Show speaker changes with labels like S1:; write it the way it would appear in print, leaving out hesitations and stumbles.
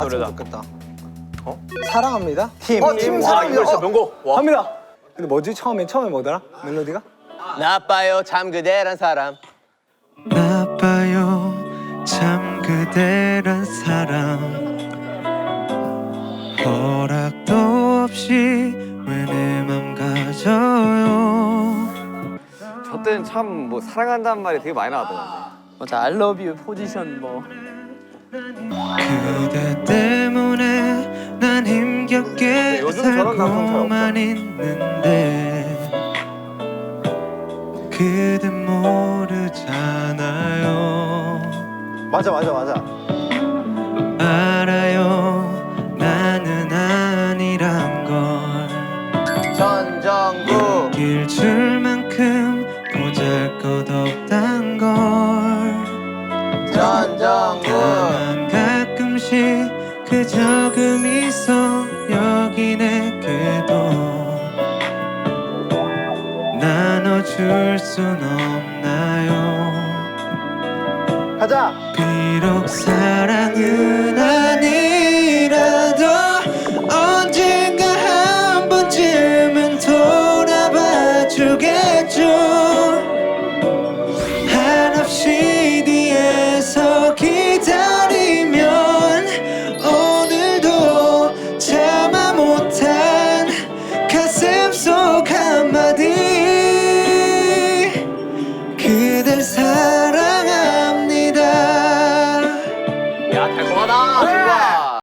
S1: 노래다.
S2: 좋겠다.
S3: 어?
S2: 사랑합니다.
S3: 팀.
S2: 팀
S3: 와,
S2: 사랑합니다.
S3: 이거 진짜 명곡. 와.
S2: 합니다. 근데 뭐지? 처음에 뭐더라? 멜로디가?
S1: 나빠요 참 그대란 사람.
S4: 나빠요 참 그대란 사람 허락도 없이 왜 내 맘 가져요.
S5: 저 때는 참 뭐 사랑한다는 말이 되게 많이 나왔더라고요.
S1: 맞아 I love you 포지션 뭐.
S4: 그대 때문에 난 힘겹게
S3: 요즘 저런 감성 잘
S4: 살고만 있는데 그댄 모르잖아요.
S3: 맞아.
S4: 알아요 나는 아니란 걸
S1: 전정구.
S4: 길 줄만큼 보잘것없단 걸
S1: 전정구.
S4: 다만 가끔씩 그 적음 있어 여기 내게도 나눠줄 순 없나요.
S3: 가자.
S4: 비록 사랑은 아니라도 언젠가 한 번쯤은 돌아봐 주겠죠.